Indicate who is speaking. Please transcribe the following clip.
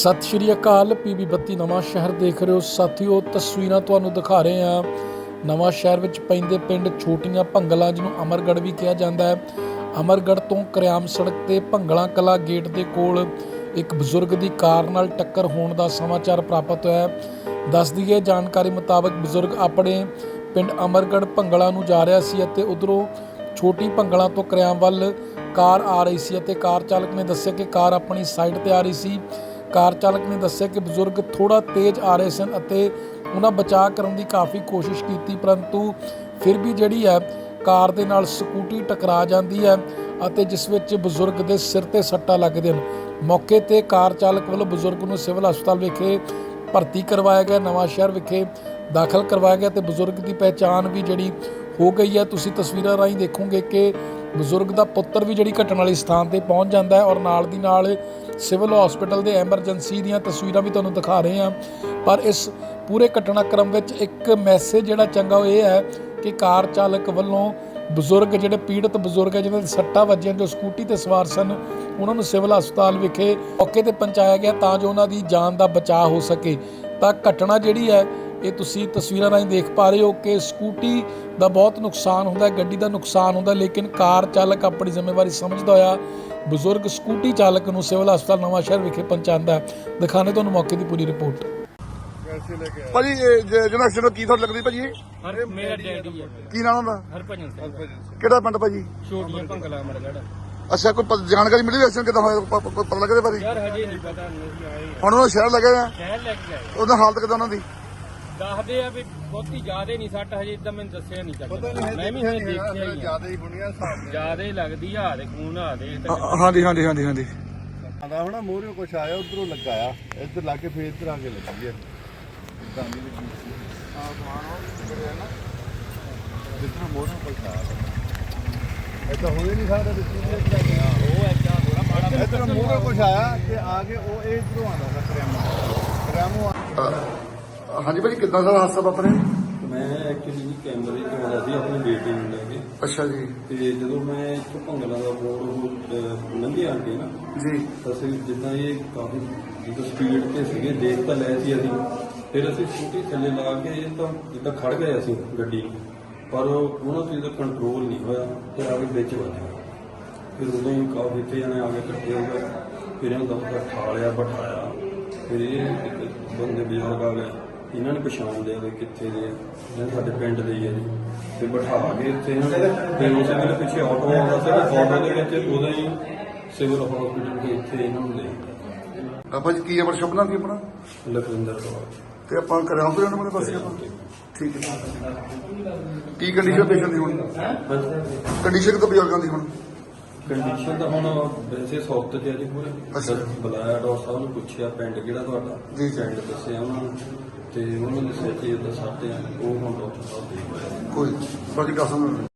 Speaker 1: सत श्री अकाल। PB 32 नवां शहर देख रहे हो साथियों। तस्वीरां तुहानूं दिखा रहे हैं नवां शहर विच पैंदे पिंड छोटियां भंगलां, जिन्हों अमरगढ़ भी कहा जाता है। अमरगढ़ तो करियाम सड़क ते भंगला कला गेट के कोल एक बजुर्ग की कार नाल टक्कर होने का समाचार प्राप्त होया है। दस दईए जानकारी मुताबक बजुर्ग अपने पिंड अमरगढ़ भंगला नूं जा रहा सी अते उधरों छोटी भंगला तो करियाम वल कार आ रही सी अते कार चालक ने दस्सिया कि कार अपनी साइड ते आ रही सी। कार चालक ने दस्सिया कि बजुर्ग थोड़ा तेज आ रहे सन अते उन्हां बचाव करने की काफ़ी कोशिश की, परंतु फिर भी जिहड़ी है कार दे नाल स्कूटी टकरा जाती है अते जिस विच बजुर्ग के सिर ते सट्टां लगदे हैं। मौके ते कार चालक वालों बजुर्ग नूं सिविल हस्पताल विखे भर्ती करवाया गया, नवां शहर विखे दाखिल करवाया गया। तो बजुर्ग की पहचान भी जिहड़ी हो गई है। तुसीं तस्वीरां राहीं देखोगे कि बजुर्ग का पुत्र भी जिहड़ी घटना वाले स्थान पर पहुँच जाता है और नाल दी नाल सिविल हॉस्पिटल के एमरजेंसी दीयां तस्वीरां भी तुहानूं दिखा रहे हैं। पर इस पूरे घटनाक्रम विच एक मैसेज जिहड़ा चंगा वो है कि कार चालक वालों बजुर्ग जिहड़े पीड़ित बजुर्ग है जिन्हां दे सट्टां वजियां, जो स्कूटी ते सवार सन, उन्होंने सिविल हस्पताल विखे मौके ते पहुंचाया गया तां जो उन्हां दी जान का बचाव हो सके। तां घटना जिहड़ी है ये तुसीं तस्वीरां राहीं देख पा रहे हो कि स्कूटी का बहुत नुकसान होंदा है, गड्डी का नुकसान होंदा, लेकिन कार चालक अपनी जिम्मेवारी समझदा होया बजुर्ग स्कूटी चालक नूं सिविल हस्पताल नवां शहर विखे पहुंचाता है। दिखाने तुहानूं मौके की पूरी रिपोर्ट।
Speaker 2: ਭਾਜੀ ਜਿਹੜਾ ਐਕਸੀਡੈਂਟ ਕੀ ਤੁਹਾਨੂੰ ਲੱਗਦੀ ਭਾਜੀ?
Speaker 3: ਮੇਰਾ ਡੈਡੀ ਹੈ।
Speaker 2: ਕੀ ਨਾਮ ਹੁੰਦਾ?
Speaker 3: ਹਰਭਜਨ ਸਿੰਘ।
Speaker 2: ਕਿਹੜਾ ਪਿੰਡ ਭਾਜੀ?
Speaker 3: ਛੋਟੀਆਂ ਭੰਗਲਾ ਅਮਰਗੜ੍ਹ।
Speaker 2: ਅੱਛਾ, ਕੋਈ ਜਾਣਕਾਰੀ ਮਿਲੀ ਐਕਸੀਡੈਂਟ ਕਿੱਦਾਂ ਹੋਇਆ? ਕੋਈ ਪਤਾ ਲੱਗਦੇ ਬਾਰੇ?
Speaker 3: ਯਾਰ ਹਜੇ ਨਹੀਂ ਪਤਾ, ਨਹੀਂ ਆਏ।
Speaker 2: ਹੁਣ ਉਹ ਸ਼ਹਿਰ ਲੱਗੇ ਆ,
Speaker 3: ਸ਼ਹਿਰ ਲੈ ਕੇ ਆਏ।
Speaker 2: ਉਹਦਾ ਹਾਲਤ ਕਿੱਦਾਂ ਉਹਨਾਂ ਦੀ?
Speaker 3: ਦੱਸਦੇ ਆ ਵੀ ਬਹੁਤੀ ਜ਼ਿਆਦੇ ਨਹੀਂ ਸੱਟ, ਹਜੇ ਇਦਾਂ ਮੈਨੂੰ ਦੱਸਿਆ ਨਹੀਂ ਚੱਲਦਾ। ਮੈਂ ਵੀ ਹਜੇ ਦੇਖਿਆ ਹੀ ਜ਼ਿਆਦਾ ਹੀ ਬੁਣੀਆਂ ਜ਼ਿਆਦੇ ਲੱਗਦੀ ਆ। ਦੇ ਖੂਨ ਆ ਦੇ
Speaker 2: ਹਾਂਜੀ ਹਾਂਜੀ ਹਾਂਜੀ ਹਾਂਜੀ
Speaker 4: ਆਂਦਾ ਹੁਣ ਮੂਹਰੇ ਕੁਛ ਆਇਆ, ਉਧਰੋਂ ਲੱਗਾ ਆ, ਇੱਧਰ ਲਾ ਕੇ ਫੇਰ ਇੱਧਰ ਆ ਕੇ ਲੱਗੀ ਹੈ। ਇਦਾਂ ਦੀ ਲੱਗੀ ਸੀ ਆ ਸਮਾਨ ਉਹ ਕਰਿਆ ਨਾ ਜਿੱਦਾਂ ਮੂਹਰੇ ਕੁਛ ਆਇਆ। ਇੱਦਾਂ ਹੋਏ ਨਹੀਂ ਸਕਦਾ ਵਿੱਚ
Speaker 3: ਉਹ ਐਦਾਂ ਥੋੜਾ ਮਾੜਾ
Speaker 4: ਇੱਧਰ ਮੂਹਰੇ ਕੁਛ ਆਇਆ ਤੇ ਆ ਕੇ ਉਹ ਇਹ ਇੱਧਰੋਂ ਆਉਂਦਾ ਕਰਿਆਮੂ।
Speaker 2: ਹਾਂਜੀ ਭਾਜੀ, ਕਿੱਦਾਂ ਦਾ ਹਾਦਸਾ ਵਾਪਰਿਆ?
Speaker 5: ਮੈਂ ਐਕਚੁਅਲੀ ਕੈਮਰੇ 'ਚ ਆਉਂਦਾ ਸੀ ਆਪਣੀ ਬੇਟੀ ਨੂੰ ਲੈ ਕੇ,
Speaker 2: ਅੱਛਾ ਜੀ
Speaker 5: ਤੇ ਜਦੋਂ ਮੈਂ ਇੱਥੋਂ ਭੰਗਲਾ ਦਾ ਬੋਰਡ ਲੰਘੇ ਆ ਕੇ ਨਾ
Speaker 2: ਜੀ
Speaker 5: ਅਸੀਂ ਜਿੱਦਾਂ ਇਹ ਕਾਫੀ ਜਦੋਂ ਸਪੀਡ ਤੇ ਸੀਗੇ ਦੇਖ ਤਾਂ ਲਏ ਸੀ ਅਸੀਂ, ਫਿਰ ਅਸੀਂ ਸਕੂਟੀ ਥੱਲੇ ਲਾ ਕੇ ਇਹ ਤਾਂ ਜਿੱਦਾਂ ਖੜ ਗਏ ਅਸੀਂ ਗੱਡੀ ਨੂੰ, ਪਰ ਉਹਨਾਂ ਚੀਜ਼ ਦਾ ਕੰਟਰੋਲ ਨਹੀਂ ਹੋਇਆ ਤੇ ਆ ਕੇ ਵਿੱਚ ਵੱਜ ਗਿਆ। ਫਿਰ ਉਦੋਂ ਹੀ ਕਾਫੀ ਇੱਥੇ ਜਾਣੇ ਆ ਕੇ ਇਕੱਠੇ ਹੋ ਗਏ, ਫਿਰ ਇਹਨੂੰ ਦਮ ਠਾ ਲਿਆ ਬਿਠਾਇਆ। ਫਿਰ ਇਹ ਇੱਕ ਬੰਦੇ ਬਜ਼ੁਰਗ ਆ ਗਏ, ਇਹਨਾਂ ਨੇ ਪਛਾਣ ਲਿਆ ਵੀ ਕਿੱਥੇ ਦੇ, ਇਹਨਾਂ ਸਾਡੇ ਪਿੰਡ ਦੇ ਹੀ ਆ ਜੀ। ਤੇ ਬਿਠਾ ਕੇ ਇੱਥੇ ਫਿਰ ਉਸੇ ਵੇਲੇ ਪਿੱਛੇ ਆਟੋ ਆਉਂਦਾ ਸੀ, ਆਟੋ ਦੇ ਵਿੱਚ ਉਦੋਂ ਹੀ ਸਿਵਲ ਹਸਪੀਟਲ ਦੇ ਇੱਥੇ ਇਹਨਾਂ ਨੂੰ ਲੈ ਗਏ।
Speaker 2: ਆਪਾਂ ਜੀ ਕੀ ਆਪਣਾ ਸ਼ਬਦ ਕੀ ਆਪਣਾ
Speaker 5: ਲਖਵਿੰਦਰ ਕੌਰ।
Speaker 2: ਤੇ ਆਪਾਂ ਕਰਿਆ ਤੋਂ ਜਾਣਾ ਮੇਰੇ ਪਾਸੇ ਆਪਾਂ ਠੀਕ ਹੈ। ਕੀ ਕੰਡੀਸ਼ਨ ਪੇਸ਼ੈਂਟ ਦੀ ਹੁਣ? ਕੰਡੀਸ਼ਨ ਤਾਂ ਬਜ਼ੁਰਗਾਂ ਦੀ ਹੁਣ
Speaker 5: ਕੰਡੀਸ਼ਨ ਤਾਂ ਹੁਣ ਵੈਸੇ ਸੌਫਟ ਤੇ ਆ ਜੀ ਪੂਰੇ।
Speaker 2: ਅੱਛਾ।
Speaker 5: ਬੁਲਾਇਆ ਡਾਕਟਰ ਸਾਹਿਬ ਨੂੰ, ਪੁੱਛਿਆ ਪਿੰਡ ਕਿਹੜਾ ਤੁਹਾਡਾ,
Speaker 2: ਜੀ।
Speaker 5: ਪਿੰਡ ਦੱਸਿਆ ਉਹਨਾਂ ਨੂੰ ਤੇ ਉਹਨਾਂ ਨੇ ਦੱਸਿਆ ਕਿ ਇਹਦਾ ਸਾਡੇ ਉਹ ਹੁਣ ਡਾਕਟਰ ਸਾਹਿਬ ਦੇ
Speaker 2: ਕੋਈ ਬਾਕੀ ਦੱਸ ਦਿਓ।